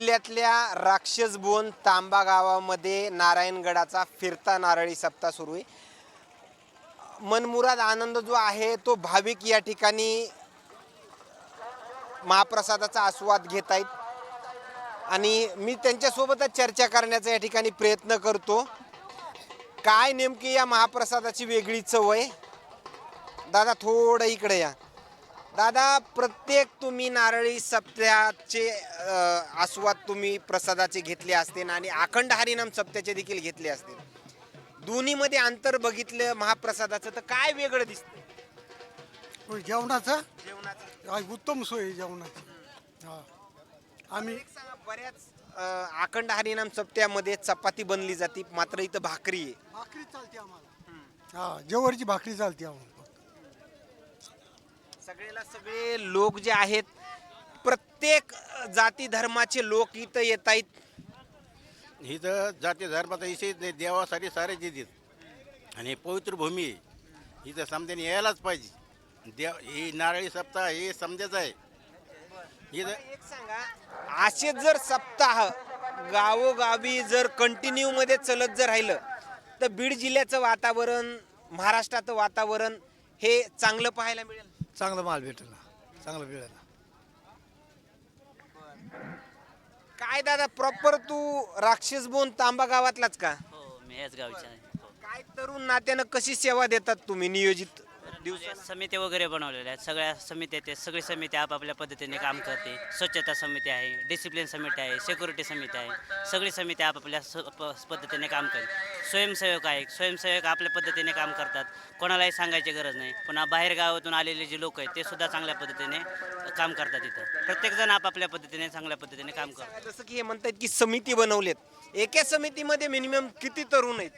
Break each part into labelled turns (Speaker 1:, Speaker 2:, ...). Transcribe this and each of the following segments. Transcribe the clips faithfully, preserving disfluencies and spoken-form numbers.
Speaker 1: जिल्ह्यातल्या राक्षसबोन तांबा गावामध्ये नारायणगडाचा फिरता नारळी सप्ताह सुरू आहे. मनमुराद आनंद जो आहे तो भाविक या ठिकाणी महाप्रसादाचा आस्वाद घेत आहेत आणि मी त्यांच्यासोबतच चर्चा करण्याचा या ठिकाणी प्रयत्न करतो. काय नेमकी या महाप्रसादाची वेगळी चव आहे. दादा थोडं इकडे या. दादा, प्रत्येक तुम्ही नारळी सप्त्याचे आस्वाद तुम्ही प्रसादाचे घेतले असतील आणि अखंड हरिनाम सप्त्याचे देखील घेतले असतील. दोन्हीमध्ये अंतर बघितलं महाप्रसादाचं तर काय वेगळं दिसतं?
Speaker 2: जेवणाचं
Speaker 1: जेवणाचं
Speaker 2: आ, उत्तम सोय आहे जेवणाची. हा आम्ही
Speaker 1: एक सांगा, बऱ्याच अ, अखंड हरिनाम सप्त्यामध्ये चपाती बनली जाते, मात्र इथं भाकरी आहे.
Speaker 2: भाकरी चालते आम्हाला. हा जेवरची भाकरी चालते आम्हाला.
Speaker 1: सगळेला सगळे लोक जे आहेत, प्रत्येक जाती धर्माचे लोक इथं येत आहेत.
Speaker 3: ही तर जाती धर्माचा विषय नाही, देवासाठी सारे देतात आणि पवित्र भूमी आहे. इथं समजाने यायलाच पाहिजे. देव ही नारळी सप्ताह हे समजायचं आहे. इथं
Speaker 1: एक सांगा, असे जर सप्ताह गावोगावी जर कंटिन्यू मध्ये चलत जर राहिलं तर बीड जिल्ह्याचं वातावरण, महाराष्ट्राचं वातावरण हे चांगलं पाहायला मिळेल.
Speaker 2: चांगला माल भेटेल ना, चांगलं मिळेल.
Speaker 1: काय दादा, प्रॉपर तू राक्षसबोन तांबा गावातलाच का?
Speaker 4: हो, मी याच गावचा आहे. हो.
Speaker 1: काय तरुण नात्यानं कशी सेवा देतात तुम्ही नियोजित दिवसात?
Speaker 4: समित्या वगैरे बनवलेल्या आहेत. सगळ्या समित्या ते सगळी समिती आपापल्या पद्धतीने काम करते. स्वच्छता समिती आहे, डिसिप्लिन समिती आहे, सिक्युरिटी समिती आहे. सगळी समिती आपापल्या स- प- पद्धतीने काम करते. स्वयंसेवक आहे, स्वयंसेवक आपल्या पद्धतीने काम करतात. कोणालाही सांगायची गरज नाही. पुन्हा बाहेर गावातून आलेले जे लोक आहेत ते सुद्धा चांगल्या पद्धतीने काम करतात. इथं प्रत्येकजण आपापल्या पद्धतीने चांगल्या पद्धतीने काम करतात.
Speaker 1: जसं की हे म्हणतात की समिती बनवलेत, एका समितीमध्ये मिनिमम किती तरुण आहेत?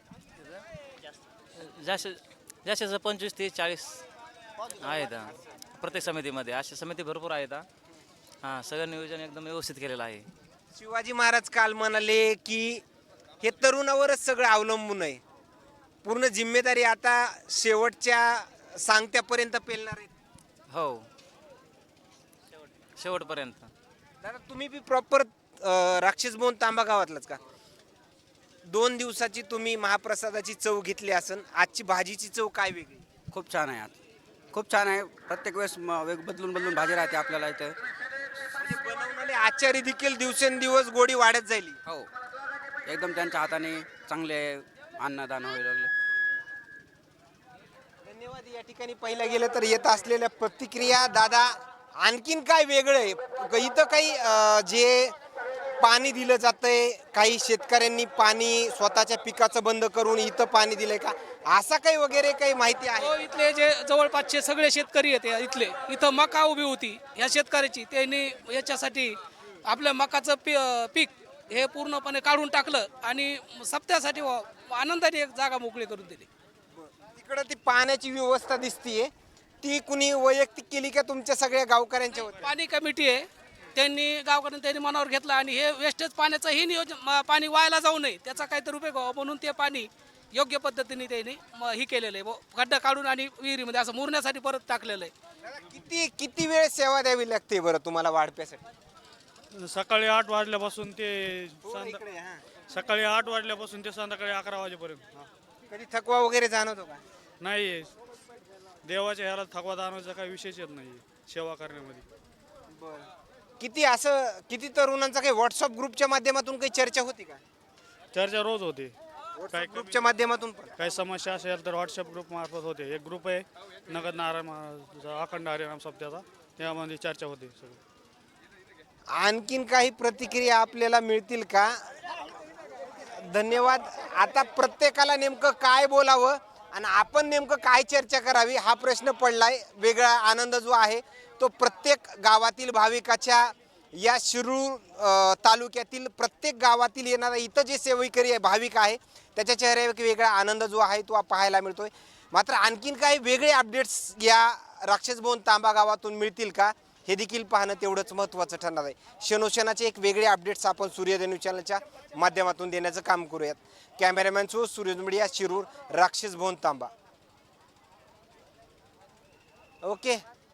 Speaker 5: जास्त जास्तीत पंचवीस तीस चाळीस आहेत हा. प्रत्येक समितीमध्ये अशा समिती भरपूर आहेत हा. हां, सगळं नियोजन एकदम व्यवस्थित केलेलं आहे.
Speaker 1: शिवाजी महाराज काल म्हणाले की हे तरुणावरच सगळं अवलंबून आहे, पूर्ण जिम्मेदारी आता शेवटच्या सांगत्यापर्यंत पेलणार आहे.
Speaker 5: हो, शेवटपर्यंत.
Speaker 1: दादा, तुम्ही बी प्रॉपर राक्षसबोन तांबा गावातलाच का? दोन दिवसाची तुम्ही महाप्रसादाची चव घेतली असन, आजची भाजीची चव काय वेगळी?
Speaker 6: खूप छान आहे. आज खूप छान आहे. प्रत्येक वेळेस म- वेग बदलून बदलून भाजी राहते आपल्याला इथं.
Speaker 1: म्हणजे बनवणारे आचारी देखील दिवसेंदिवस गोडी वाढत जाईल.
Speaker 6: हो, एकदम त्यांच्या हाताने चांगले अन्नदान व्हायला लागलं.
Speaker 1: धन्यवाद. या ठिकाणी पाहिलं गेलं तर येत असलेल्या प्रतिक्रिया. दादा, आणखीन काय वेगळं आहे इथं? काही अं, जे पाणी दिलं जातंय, काही शेतकऱ्यांनी पाणी स्वतःच्या पिकाचं बंद करून इथं पाणी दिलंय का, असा काही वगैरे काही माहिती आहे?
Speaker 7: हो, इथले जे जवळपासचे सगळे शेतकरी आहेत इथले, इथं मका उभी होती ह्या शेतकऱ्याची, त्यांनी याच्यासाठी आपल्या मकाचं पी पीक हे पूर्णपणे काढून टाकलं आणि सप्त्यासाठी आनंदाने एक जागा मोकळी करून दिली.
Speaker 1: तिकडं ती पाण्याची व्यवस्था दिसतीये, ती कुणी वैयक्तिक केली का तुमच्या सगळ्या गावकऱ्यांच्या वतीने?
Speaker 7: पाणी कमिटी आहे, त्यांनी गावकऱ्यांनी त्यांनी मनावर घेतलं आणि हे वेस्टेज पाण्याचं ही नियोजन, म- पाणी व्हायला जाऊ नये त्याचा काहीतरी उपयोग व्हावा म्हणून ते पाणी योग्य पद्धतीने त्यांनी म- ही केलेलं आहे. ब- खड्डा काढून आणि विहिरीमध्ये असं मुरण्यासाठी परत टाकलेलं आहे.
Speaker 1: दादा, किती किती वेळ सेवा द्यावी लागते बरं तुम्हाला वाढप्यासाठी?
Speaker 8: सकाळी आठ वाजल्यापासून ते
Speaker 1: थोडं
Speaker 8: संध्या-
Speaker 1: इकडे, हां.
Speaker 8: सकाळी आठ वाजल्यापासून ते संध्याकाळी अकरा वाजेपर्यंत.
Speaker 1: कधी थकवा वगैरे जाणवतो का?
Speaker 8: नाही, देवाच्या ह्याला थकवा दानवाचा काही विषयच येत नाही सेवा करण्यामध्ये.
Speaker 1: किती असं किती तरुणांचा काही व्हॉट्सअप ग्रुपच्या माध्यमातून काही चर्चा होती का?
Speaker 8: चर्चा रोज होते. काय
Speaker 1: ग्रुपच्या माध्यमातून पण
Speaker 8: काही समस्या असेल तर व्हॉट्सअप ग्रुप मार्फत होते. एक ग्रुप आहे नगद नारायण महाराजाचा अखंड हरिनाम सप्त्याचा, त्यामध्ये चर्चा होते सगळी.
Speaker 1: आणखीन काही प्रतिक्रिया आपल्याला मिळतील का? धन्यवाद. आता प्रत्येकाला नेमकं काय बोलावं आणि आपण नेमकं काय चर्चा करावी हा प्रश्न पडलाय. वेगळा आनंद जो आहे तो प्रत्येक गावातील भाविकाच्या, या शिरूर अ, तालुक्यातील प्रत्येक गावातील येणारा इथं जे सेवेकरी आहे, भाविक आहे, त्याच्या चेहऱ्यावर एक वेगळा आनंद जो आहे तो पाहायला मिळतोय. मात्र आणखीन काही वेगळे अपडेट्स या राक्षसबोन तांबा गावातून मिळतील का हे देखील पाहणं तेवढंच महत्त्वाचं ठरणार आहे. क्षणोक्षणाचे एक वेगळे अपडेट्स आपण सूर्योदय न्यूज चॅनलच्या माध्यमातून देण्याचं काम करूयात. कॅमेरामॅन सो सूर्योदय मीडिया, शिरूर, राक्षसबोन तांबा. ओके.